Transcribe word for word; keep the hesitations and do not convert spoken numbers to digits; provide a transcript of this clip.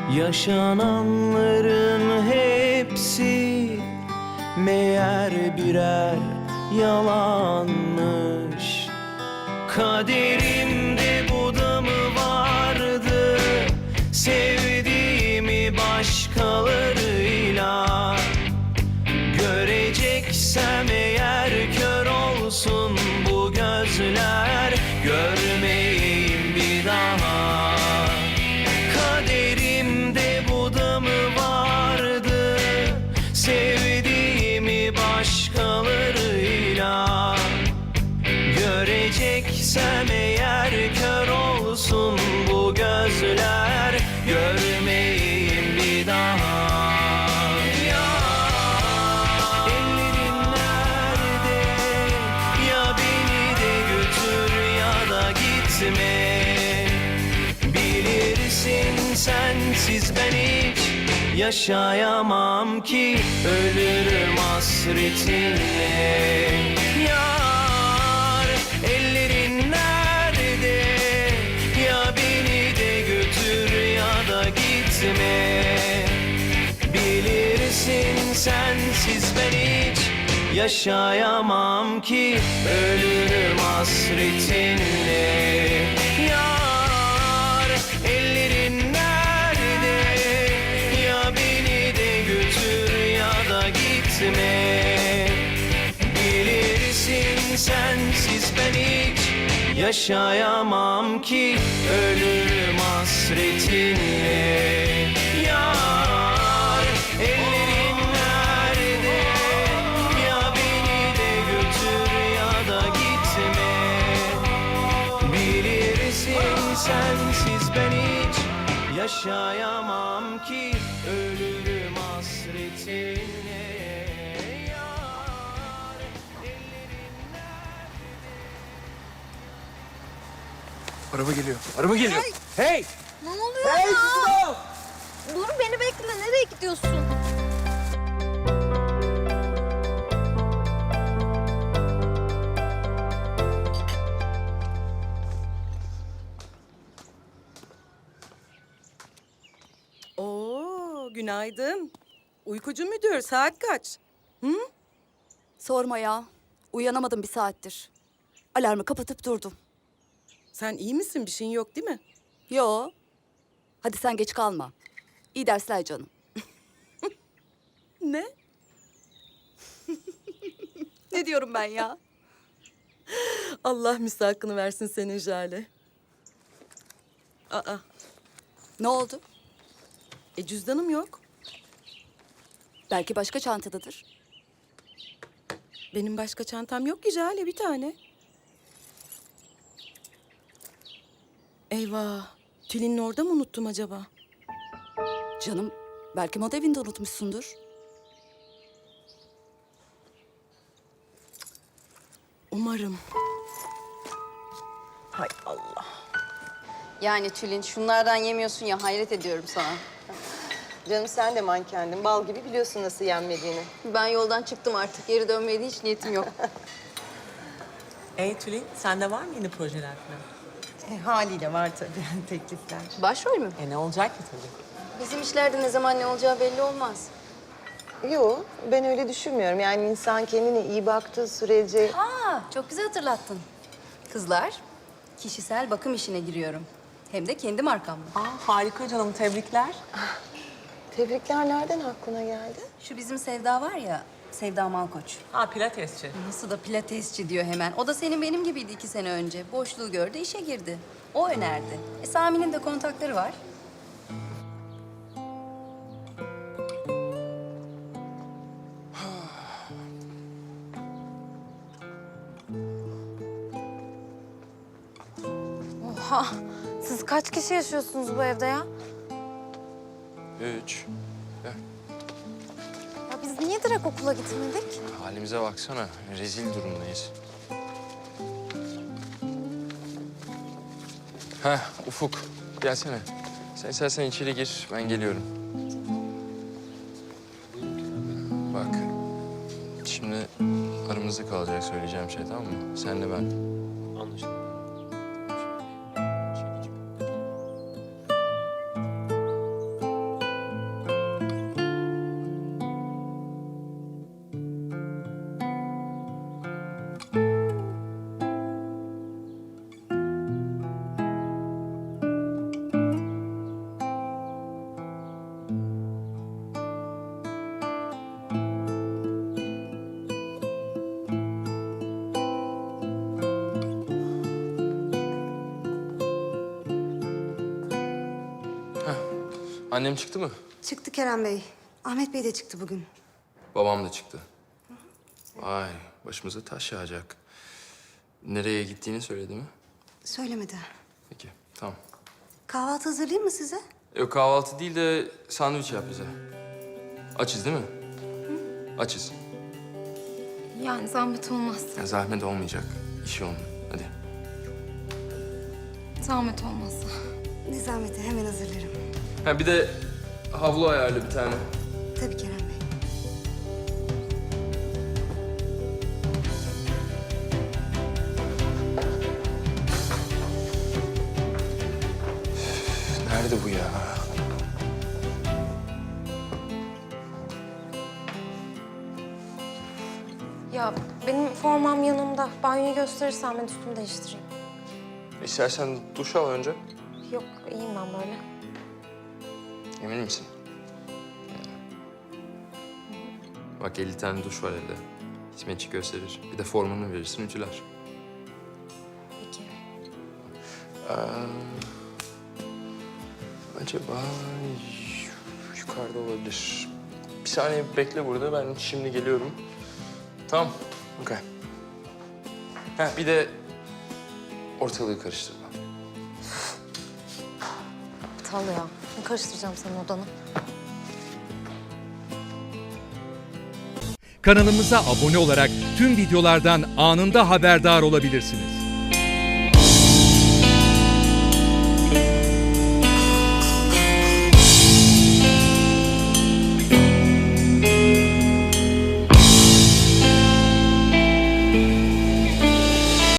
Yaşananların hepsi meğer birer yalanmış. Kaderimde bu da mı vardı, sevdiğimi başkalarıyla göreceksem eğer kör olsun bu gözler, görmeyeyim bir daha. Kaderimde bu da mı vardı, sevdiğimi başkalarıyla göreceksem eğer kör olsun bu gözler, görmeyeyim bir daha. Ellerin nerede? Ya beni de götür ya da gitme. Bilirsin sensiz ben hiç yaşayamam ki, ölürüm hasretinle. Yar, ellerin nerede? Ya beni de götür ya da gitme. Bilirsin sensiz ben hiç yaşayamam ki, ölürüm hasretinle. Yar, ellerin nerede? Ya beni de götür ya da gitme. Bilirsin sensiz ben hiç yaşayamam ki, ölürüm hasretinle. Yar, ellerin nerede? Ya beni de götür ya da gitme. Bilirsin sensiz ben hiç yaşayamam ki, ölürüm hasretinle. Yar, ellerin Araba geliyor. Araba geliyor. Hey! Ne oluyor Hey! ya? Stop! Dur beni bekle. Nereye gidiyorsun? Oo, günaydın. Uykucu müdür, saat kaç? Hı? Sorma ya. Uyanamadım bir saattir. Alarmı kapatıp durdum. Sen iyi misin? Bir şeyin yok değil mi? Yo. Hadi sen geç kalma. İyi dersler canım. Ne? Ne diyorum ben ya? Allah müstakını versin senin Jale. Aa, Ne oldu? e cüzdanım yok. Belki başka çantadadır. Benim başka çantam yok ki Jale, bir tane. Eyvah, Tülin'in orada mı unuttum acaba? Canım, belki moda evinde unutmuşsundur. Umarım. Hay Allah. Yani Tülin şunlardan yemiyorsun ya, hayret ediyorum sana. Canım sen de mankendin. Bal gibi biliyorsun nasıl yenmediğini. Ben yoldan çıktım artık. Geri dönmeye de hiç niyetim yok. Ey Tülin, sende var mı yeni projeler falan? E, haliyle var tabii teklifler. Başrol mü? E ne olacak ki tabii? Bizim işlerde ne zaman ne olacağı belli olmaz. Yok, ben öyle düşünmüyorum. Yani insan kendine iyi baktığı sürece... Aa, çok güzel hatırlattın. Kızlar, kişisel bakım işine giriyorum. Hem de kendi markamla. Aa, harika canım, tebrikler. Tebrikler nereden aklına geldi? Şu bizim Sevda var ya, Sevda Malkoç. Ha, pilatesçi. Nasıl da pilatesçi diyor hemen. O da senin benim gibiydi iki sene önce. Boşluğu gördü, işe girdi. O önerdi. E, Sami'nin de kontakları var. Oha. Siz kaç kişi yaşıyorsunuz bu evde ya? Üç. Ya biz niye direkt okula gitmedik? Halimize baksana. Rezil durumdayız. Heh, Ufuk. Gelsene. Sen istersen içeri gir. Ben geliyorum. Bak. Şimdi aramızda kalacak söyleyeceğim şey, tamam mı? Senle ben. Anlaşıldı. Annem çıktı mı? Çıktı Kerem Bey. Ahmet Bey de çıktı bugün. Babam da çıktı. Vay, başımıza taş yağacak. Nereye gittiğini söyledi mi? Söylemedi. Peki, tamam. Kahvaltı hazırlayayım mı size? Yok kahvaltı değil de sandviç yap bize. Açız değil mi? Açız. Yani zahmet olmaz. Ya zahmet olmayacak. İş yoğun. Hadi. Zahmet olmazsa. Ne zahmeti, hemen hazırlarım. Ha bir de havlu ayarlı bir tane. Tabii Kerem Bey. Nerede bu ya? Ya benim formam yanımda. Banyoyu gösterirsen ben üstümü değiştireyim. İstersen duş al önce. Yok, iyiyim ben böyle. Emin misin? Bak elli tane duş var evde. Hizmetçi gösterir. Bir de formunu verirsin, ütüler. Peki. Ee, acaba yukarıda olabilir. Bir saniye bekle burada. Ben şimdi geliyorum. Tamam. Okey. Ha bir de ortalığı karıştırma. Aptal ya. Ne karıştıracağım senin odanı? Kanalımıza abone olarak tüm videolardan anında haberdar olabilirsiniz.